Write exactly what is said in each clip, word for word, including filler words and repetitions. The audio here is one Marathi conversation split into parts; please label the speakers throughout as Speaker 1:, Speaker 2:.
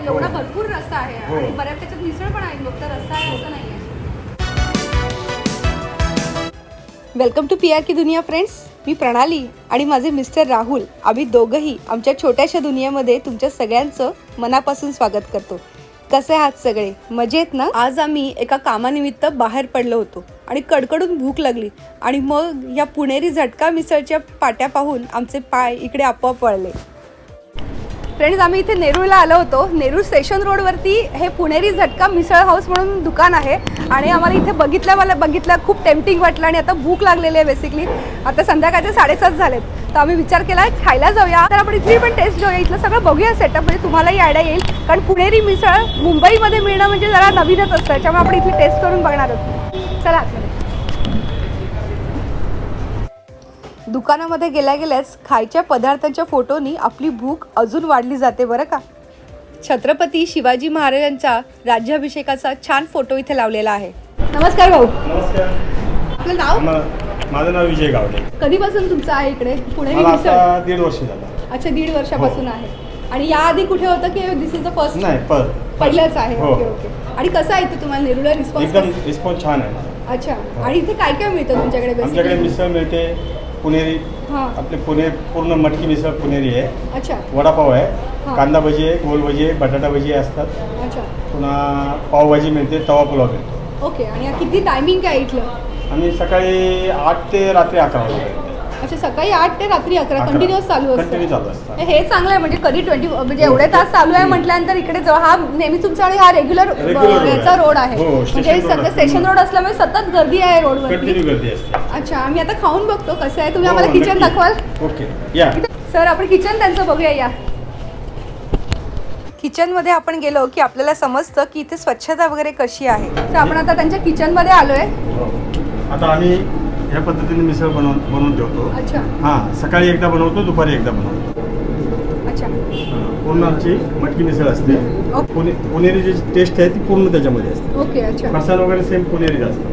Speaker 1: एवढा भरपूर रस्सा आहे आणि बऱ्याच त्याच्यात मिसळ पण आहे, फक्त रस्सा आहे असं नाही आहे. वेलकम टू पी आर की दुनिया फ्रेंड्स. मी प्रणाली आणि माझे मिस्टर राहुल, आम्ही दोघंही आमच्या छोट्याशा दुनियेमध्ये तुमच्या सगळ्यांचं मनापासून स्वागत करतो. कसे आहात सगळे, मजेत ना? आज आम्ही एका कामानिमित्त बाहेर पडलो होतो आणि कडकडून भूक लागली आणि मग या पुणेरी झटका मिसळच्या पाट्या पाहून आमचे पाय इकडे आपोआप वळले. फ्रेंड्स, आम्ही इथे नेरूळला आलो होतो. नेरूळ स्टेशन रोडवरती हे पुणेरी झटका मिसळ हाऊस म्हणून दुकान आहे आणि आम्हाला इथे बघितल्या मला बघितलं खूप टेम्पटिंग वाटलं आणि आता भूक लागलेली आहे. बेसिकली आता संध्याकाळचे साडेसात झालेत, तर आम्ही विचार केला खायला जाऊया. तर आपण इथली पण टेस्ट घेऊया, इथलं सगळं बघूया सेटअप, म्हणजे तुम्हालाही आयडिया येईल. कारण पुणेरी मिसळ मुंबईमध्ये मिळणं म्हणजे जरा नवीनच असतं, त्याच्यामुळे आपण इथली टेस्ट करून बघणार आहोत. चला आतमध्ये. दुकानामध्ये गेल्या गेल्याच खायच्या पदार्थांच्या फोटोनी आपली भूक अजून वाढली जाते बरं का. छत्रपती शिवाजी महाराजांचा राज्याभिषेकाचा छान फोटो इथे लावलेला आहे. नमस्कार भाऊ.
Speaker 2: नमस्कार.
Speaker 1: आपलं नाव?
Speaker 2: माझं नाव विजय गावडे.
Speaker 1: कधीपासून तुमचं आहे इकडे पुणेरी
Speaker 2: मला
Speaker 1: मिसळ?
Speaker 2: आता दीड वर्ष झालं.
Speaker 1: अच्छा, दीड वर्षापासून आहे. आणि याआधी कुठे होतं की दिस इज द फर्स्ट?
Speaker 2: नाही, पर
Speaker 1: पहिलंच आहे.
Speaker 2: हो.
Speaker 1: Okay okay. आणि कसं आहे इथे तुम्हाला नेरूळला रिस्पॉन्स?
Speaker 2: एकदम रिस्पॉन्स छान आहे.
Speaker 1: अच्छा. आणि इथे काय काय मिळतं तुमच्याकडे?
Speaker 2: आमच्याकडे मिसळ मिळते पुणेरी.
Speaker 1: हां.
Speaker 2: आपले पुणे पूर्ण मटकी मिसळ पुणेरी आहे.
Speaker 1: अच्छा.
Speaker 2: वडापाव आहे,
Speaker 1: हां.
Speaker 2: कांदा भजी आहे, गोल भजी आहे, बटाटा भजी असतात.
Speaker 1: अच्छा.
Speaker 2: पुन्हा पावभाजी मिळते, तवा पुलाव मिळतो.
Speaker 1: ओके. आणि किती टायमिंग काय इथलं?
Speaker 2: आणि सकाळी आठ ते रात्री अकरा वाजता.
Speaker 1: अच्छा, सकाळी आठ ते रात्री अकरा कंटिन्युअस चालू असतं?
Speaker 2: कंटिन्यू चालू असतं.
Speaker 1: हे चांगलं आहे, म्हणजे कधी ट्वेंटी म्हणजे एवढे तास चालू आहे म्हटल्यानंतर इकडे जवळ हा नेहमी तुमचा आणि हा रेग्युलर याचा रोड आहे. म्हणजे सध्या स्टेशन रोड असल्यामुळे सतत गर्दी आहे रोडवर.
Speaker 2: कंटिन्यू गर्दी असते.
Speaker 1: अच्छा, आम्ही आता खाऊन बघतो कसं आहे. तुम्ही आम्हाला किचन दाखवाल?
Speaker 2: ओके, या
Speaker 1: सर. आपण किचन त्यांचं बघूया. या किचनमध्ये आपण गेलो की आपल्याला समजतं की इथे स्वच्छता वगैरे कशी आहे. तर आपण आता त्यांच्या किचनमध्ये आलोय.
Speaker 2: आता आम्ही ह्या पद्धतीने मिसळ बनवून बनवून ठेवतो.
Speaker 1: अच्छा.
Speaker 2: हां, सकाळी एकदा बनवतो, दुपारी एकदा बनवतो.
Speaker 1: अच्छा.
Speaker 2: पूर्ण आमची मटकी मिसळ असते.
Speaker 1: ओके.
Speaker 2: पुणे पुणेरी जी टेस्ट आहे ती पूर्ण त्याच्यामध्ये असते.
Speaker 1: ओके. अच्छा.
Speaker 2: मसाला वगैरे सेम पुणेरी असतो.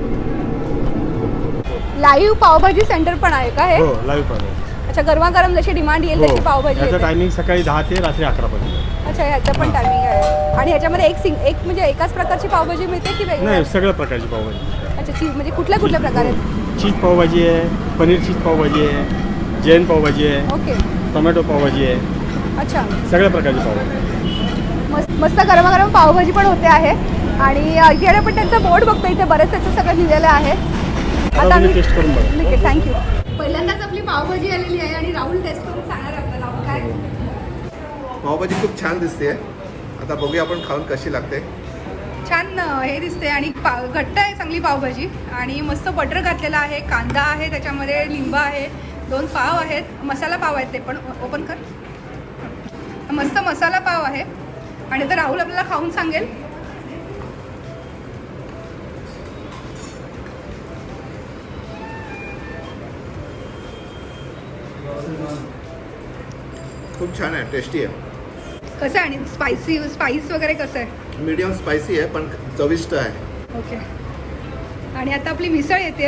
Speaker 1: लाईव्ह पावभाजी सेंटर पण आहे का हे?
Speaker 2: हो, लाईव्ह पावभाजी.
Speaker 1: अच्छा, गरमागरम जशी डिमांड येईल तशी पावभाजी
Speaker 2: याचं
Speaker 1: येते.
Speaker 2: टायमिंग सकाळी दहा ते रात्री अकरा पर्यंत.
Speaker 1: अच्छा, ह्याचं पण टायमिंग आहे. आणि ह्याच्यामध्ये एक सिंग एक म्हणजे एकाच प्रकारची पावभाजी मिळते की वेगळी?
Speaker 2: नाही, सगळ्या प्रकारची पावभाजी.
Speaker 1: अच्छा. चीज म्हणजे कुठल्या कुठल्या प्रकार आहेत?
Speaker 2: चीज पावभाजी आहे, पनीर चीज पावभाजी आहे, जैन पावभाजी आहे,
Speaker 1: ओके.
Speaker 2: टोमॅटो पावभाजी आहे,
Speaker 1: अच्छा.
Speaker 2: सगळ्या प्रकारची पावभाजी.
Speaker 1: मस्त मस्त गरमागरम पावभाजी पण होते आहे. आणि इकडे पण त्यांचा बोर्ड बघतो, इथे बरेच त्याचं सगळं लिहिलेलं आहे. आता
Speaker 2: तुम्ही टेस्ट करून बघा.
Speaker 1: ठीक आहे, थँक्यू. पहिल्यांदाच आपली पावभाजी आलेली आहे आणि राहुल टेस्ट करून सांगणार आपल्याला. राहुल, काय?
Speaker 3: पावभाजी खूप छान दिसते. आता बघूया आपण खाऊन कशी लागते.
Speaker 1: छान हे दिसते आणि पा घट्ट आहे चांगली पावभाजी. आणि मस्त बटर घातलेला आहे, कांदा आहे, त्याच्यामध्ये लिंबू आहे, दोन पाव आहेत, मसाला पाव आहेत, ते पण ओपन कर. मस्त मसाला पाव आहे. आणि आता राहुल आपल्याला खाऊन सांगेल.
Speaker 3: खूप छान आहे, टेस्टी आहे.
Speaker 1: कसं आहे? आणि स्पायसी स्पाइस वगैरे कसं आहे?
Speaker 3: मीडियम स्पायसी आहे पण चविष्ट आहे.
Speaker 1: ओके. आणि आता आपली मिसळ येते.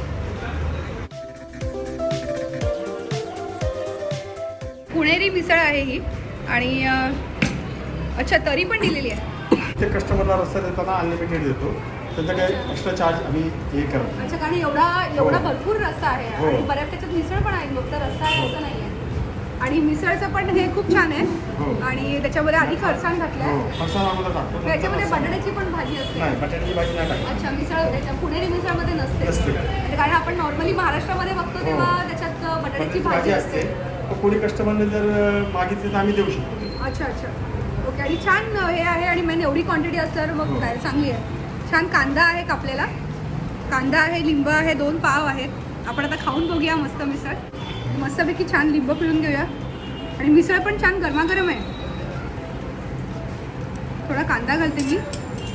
Speaker 1: पुणेरी मिसळ आहे ही. आणि अच्छा, तरी पण दिलेली आहे.
Speaker 2: ते कस्टमरला रस्ता देताना अनलिमिटेड देतो, त्याचा काही एक्स्ट्रा चार्ज आम्ही हे करतो.
Speaker 1: अच्छा, कारण एवढा एवढा भरपूर रस्सा आहे
Speaker 2: हो.
Speaker 1: आणि बऱ्याच त्याच्यात मिसळ पण आहे, फक्त रस्सा आहे असं नाही आहे. आणि मिसळचं पण हे खूप छान आहे.
Speaker 2: हो.
Speaker 1: आणि त्याच्यामध्ये आधी फरसाण घातलं
Speaker 2: हो,
Speaker 1: आहे.
Speaker 2: फरसाण अगोदर टाकतो.
Speaker 1: त्याच्यामध्ये बटाट्याची पण भाजी असते.
Speaker 2: नाही, बटाट्याची भाजी नाही टाकत.
Speaker 1: अच्छा, मिसळ त्याच्या पुणेरी मिसळमध्ये नसते.
Speaker 2: नसते.
Speaker 1: म्हणजे कारण आपण नॉर्मली महाराष्ट्रामध्ये बघतो तेव्हा त्याच्यात बटाट्याची भाजी असते.
Speaker 2: तर कोणी कस्टमरने जर मागितली तर आम्ही देऊ शकतो.
Speaker 1: अच्छा अच्छा. ओके. आणि छान हे आहे. आणि मेन एवढी क्वांटिटी असल्यावर मग काय चांगली आहे. छान कांदा आहे कापलेला, कांदा आहे, लिंबू आहे, दोन पाव आहेत. आपण आता खाऊन बघूया मस्त मिसळ. मस्तपैकी छान लिंबू पिळून घेऊया. आणि मिसळ पण छान गरमागरम आहे. थोडा कांदा घालते मी.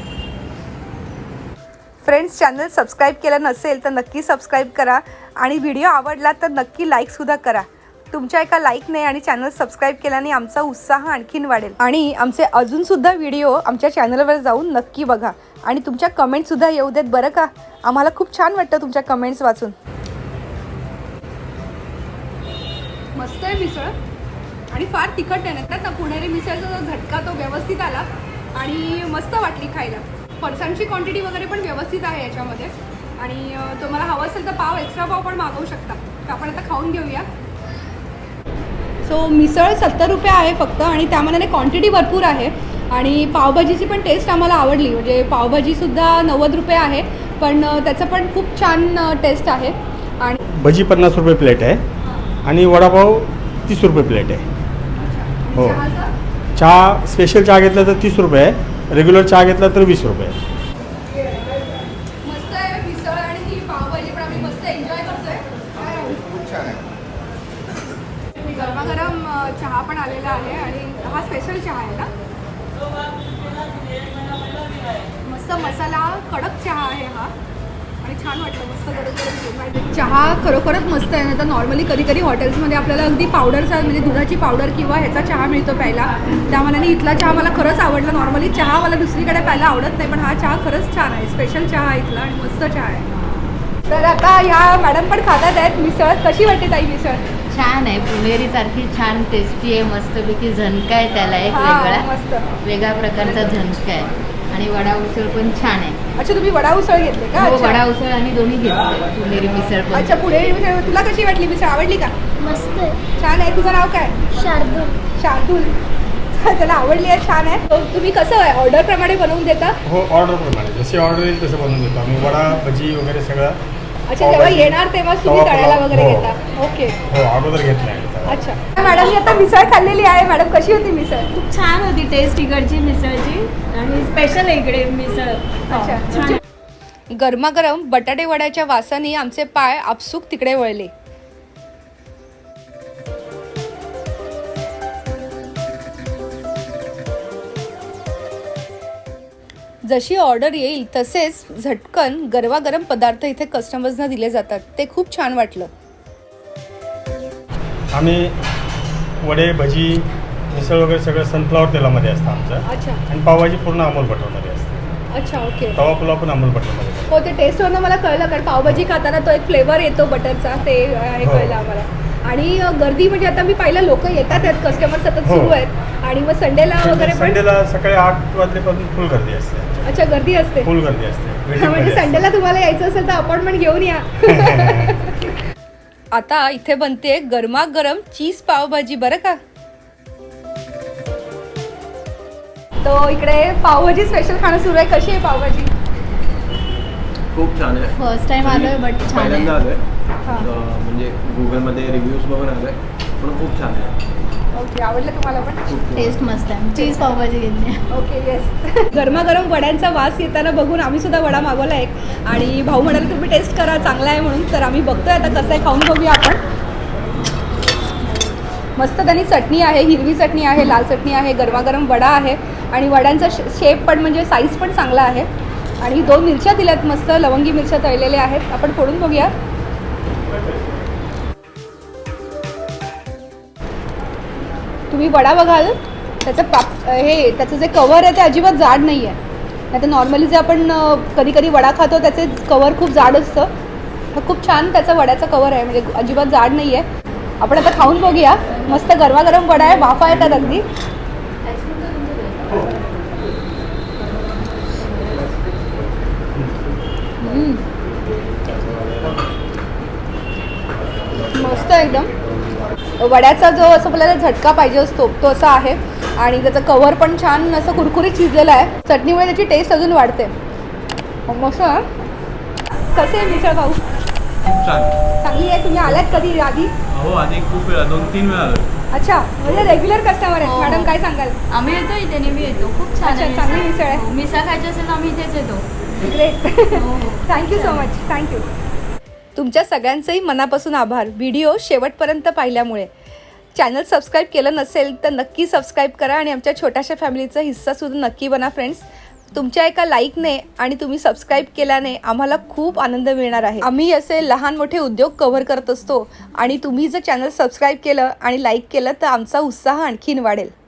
Speaker 1: फ्रेंड्स, चॅनल सबस्क्राईब केलं नसेल तर नक्की सबस्क्राईब करा. आणि व्हिडिओ आवडला तर नक्की लाईकसुद्धा करा. तुमच्या एका लाईकने आणि चॅनल सबस्क्राईब केल्याने आमचा उत्साह आणखीन वाढेल. आणि आमचे अजूनसुद्धा व्हिडिओ आमच्या चॅनलवर जाऊन नक्की बघा. आणि तुमच्या कमेंटसुद्धा येऊ देत बरं का. आम्हाला खूप छान वाटतं तुमच्या कमेंट्स वाचून. मस्त आहे मिसळ. आणि फार तिखट आहे ना तर पुणेरी मिसळचा जो झटका तो व्यवस्थित आला आणि मस्त वाटली खायला. फरसाणची क्वांटिटी वगैरे पण व्यवस्थित आहे याच्यामध्ये. आणि अं, तुम्हाला हवं असेल तर पाव एक्स्ट्रा पाव पण मागवू शकता. तर आपण आता खाऊन घेऊया. सो मिसळ सत्तर रुपये आहे फक्त आणि त्यामानाने क्वांटिटी भरपूर आहे. आणि पावभाजीची पण टेस्ट आम्हाला आवडली. म्हणजे पावभाजीसुद्धा नव्वद रुपये आहे पण अं, त्याचं पण खूप छान टेस्ट आहे. आणि
Speaker 2: भजी पन्नास रुपये प्लेट आहे आणि वडापाव तीस रुपये प्लेट आहे. हो.
Speaker 1: चहाचं?
Speaker 2: चहा स्पेशल चहा घेतला तर तीस रुपये आहे, रेग्युलर चहा घेतला तर वीस रुपये आहे.
Speaker 1: मस्त आहे मिसळ आणि ही पावभाजी पण आम्ही मस्त एन्जॉय करतोय.
Speaker 3: खूप छान आहे.
Speaker 1: गरमागरम अ, चहा पण आलेला आहे आणि हा स्पेशल चहा आहे ना. मस्त मसाला कडक चहा आहे हा आणि छान वाटलं. मस्त गरम गरम चहा खरोखरच मस्त आहे. ना तर नॉर्मली कधी कधी हॉटेल्समध्ये आपल्याला अगदी पावडरचा म्हणजे दुधाची पावडर किंवा ह्याचा चहा मिळतो प्यायला. त्यामानाने इथला चहा मला खरंच आवडला. नॉर्मली चहा मला दुसरीकडे प्यायला आवडत नाही पण हा चहा खरंच छान आहे. स्पेशल चहा आहे इथला आणि मस्त चहा आहे. तर आता ह्या मॅडम पण खातात आहेत मिसळ. कशी वाटते ताई मिसळ?
Speaker 4: छान आहे, पुणेरी सारखी छान टेस्टी आहे, मस्तपैकी झणका आहे त्याला एक
Speaker 1: हा,
Speaker 4: वेगळा
Speaker 1: मस्त.
Speaker 4: वेगळ्या प्रकारचा झणका आहे. आणि वडा उसळ पण छान आहे.
Speaker 1: अच्छा तुम्ही वडा उसळ घेतले का?
Speaker 4: हो,
Speaker 1: अच्छा.
Speaker 4: वडा उसळ आणि दोन्ही घेतले. पुणेरी मिसळ पण
Speaker 1: अच्छा पुढे मिसळ तुला कशी वाटली मिसळ? आवडली का?
Speaker 5: मस्त आहे.
Speaker 1: छान आहे. तुझं नाव काय?
Speaker 5: शार्दूल.
Speaker 1: शार्दूल. त्याला आवडली आहे. छान आहे. तो तुम्ही कसं आहे ऑर्डर प्रमाणे बनवून देता?
Speaker 2: हो, ऑर्डरप्रमाणे जशी ऑर्डर येईल तसं बनवून देतो आम्ही. वडा भजी वगैरे सगळं.
Speaker 1: अच्छा जेव्हा
Speaker 2: पावभाजी,
Speaker 1: येणार तेव्हा तुम्ही
Speaker 2: तवा
Speaker 1: तळायला
Speaker 2: पुलाव.
Speaker 1: वगैरे
Speaker 2: हो.
Speaker 1: घेता. ओके.
Speaker 2: हो, अगोदर घेतलं आहे.
Speaker 1: अच्छा मॅडम आता मिसळ खाल्लेली आहे. मॅडम कशी होती मिसळ?
Speaker 6: खूप छान होती टेस्ट इकडची मिसळची आणि स्पेशल आहे इकडे मिसळ.
Speaker 1: अच्छा
Speaker 6: छान.
Speaker 1: गरमागरम बटाटे वड्याच्या वासाने आमचे पाय आपसूक तिकडे वळले. जशी ऑर्डर येईल तसेच झटकन गरमागरम पदार्थ इथे कस्टमर्सना दिले जातात. ते खूप छान वाटलं.
Speaker 2: आम्ही वडे भजी मिसळ वगैरे सगळं सनफ्लॉवर तेलामध्ये असतं आमचं.
Speaker 1: अच्छा
Speaker 2: आणि पावभाजी पूर्ण अमूल बटरमध्ये असते.
Speaker 1: अच्छा ओके.
Speaker 2: तवा पुलाव पण अमूल बटरमध्ये असतो.
Speaker 1: हो ते टेस्टवरनं मला कळलं कारण पावभाजी खाताना तो एक फ्लेवर येतो बटरचा. ते हे
Speaker 2: हो.
Speaker 1: कळलं आम्हाला. आणि अ, गर्दी म्हणजे आता मी पाहिलं लोक येतात आहेत कस्टमर सतत
Speaker 2: हो.
Speaker 1: सुरू आहेत. आणि मग संडेला वगैरे पण
Speaker 2: संडेला सकाळी आठ वाजल्यापासून फुल गर्दी असते.
Speaker 1: अच्छा गर्दी असते.
Speaker 2: फुल गर्दी असते.
Speaker 1: हा,
Speaker 2: Waiting
Speaker 1: म्हणजे
Speaker 2: मध्ये असते.
Speaker 1: संडेला तुम्हाला यायचं असेल तर अपॉइंटमेंट घेऊन या. आता इथे बनते गरमागरम चीज पावभाजी बरं का. तो इकडे पावभाजी स्पेशल खाणं सुरू आहे. कशी आहे पावभाजी?
Speaker 7: खूप छान आहे.
Speaker 6: फर्स्ट टाइम आलोय बट छान
Speaker 7: पहिल्यांदा
Speaker 6: आहे.
Speaker 7: आलोय.
Speaker 1: हा.
Speaker 7: अं, म्हणजे गुगलमध्ये रिव्ह्यूज बघून आलोय पण खूप छान आहे.
Speaker 1: ओके आवडलं तुम्हाला पण?
Speaker 7: खूप
Speaker 6: टेस्ट मस्त आहे. चीज पावभाजी घेतली.
Speaker 1: Okay yes. गरमागरम वड्यांचा वास येताना बघून आम्ही सुद्धा वडा मागवला एक. आणि भाऊ म्हणाले तुम्ही टेस्ट करा चांगला आहे म्हणून. तर आम्ही बघतोय आता कसं आहे खाऊन बघूया आपण. मस्त त्यांनी चटणी आहे, हिरवी चटणी आहे, लाल चटणी आहे, गरमागरम वडा आहे आणि वड्यांचा शेप पण म्हणजे साईज पण चांगला आहे. आणि दोन मिरच्या दिल्यात मस्त लवंगी मिरच्या तळलेल्या आहेत. आपण फोडून बघूया. तुम्ही वडा बघाल त्याचं पाप हे त्याचं जे कवर आहे ते अजिबात जाड नाही आहे. नाही तर नॉर्मली जे आपण अ, कधी कधी वडा खातो त्याचे कवर खूप जाड असतं. तर खूप छान त्याचं वड्याचं कवर आहे म्हणजे अजिबात जाड नाही आहे. आपण आता खाऊन बघूया. मस्त गरमागरम वडा आहे. वाफा येतात अगदी. हम्म. मस्त एकदम. वड्याचा जो असं आपल्याला झटका पाहिजे असतो तो असा आहे आणि त्याचं कवर पण छान असं कुरकुरीत शिजलेलं आहे. चटणीमुळे त्याची टेस्ट अजून वाढते. मस्त आहे. कसे आहे मिसळ भाऊ?
Speaker 7: खूप छान.
Speaker 1: चांगली आहे. तुम्ही आलात कधी आधी?
Speaker 7: हो आधी खूप वेळा दोन तीन वेळा आलो.
Speaker 1: अच्छा म्हणजे रेग्युलर कस्टमर आहेत.
Speaker 6: हो.
Speaker 1: मॅडम काय सांगाल?
Speaker 6: आम्ही येतो इथे नेहमी येतो. खूप छान
Speaker 1: अच्छा,
Speaker 6: आहे.
Speaker 1: चांगली मिसळ आहे.
Speaker 6: हो, मिसळ खायची असेल तर आम्ही इथेच येतो.
Speaker 1: ग्रेट.
Speaker 6: हो, हो.
Speaker 1: Thank you so much. थँक्यू. तुमच्या सगळ्यांचंही मनापासून आभार व्हिडिओ शेवटपर्यंत पाहिल्यामुळे. चॅनल सबस्क्राईब केलं नसेल तर नक्की सबस्क्राईब करा आणि आमच्या छोट्याशा फॅमिलीचा हिस्सासुद्धा नक्की बना फ्रेंड्स. तुमच्या एका लाईकने आणि तुम्ही सबस्क्राईब केल्याने आम्हाला खूप आनंद मिळणार आहे. आम्ही असे लहान मोठे उद्योग कव्हर करत असतो आणि तुम्ही जर चॅनल सबस्क्राईब केलं आणि लाईक केलं तर आमचा उत्साह आणखीन वाढेल.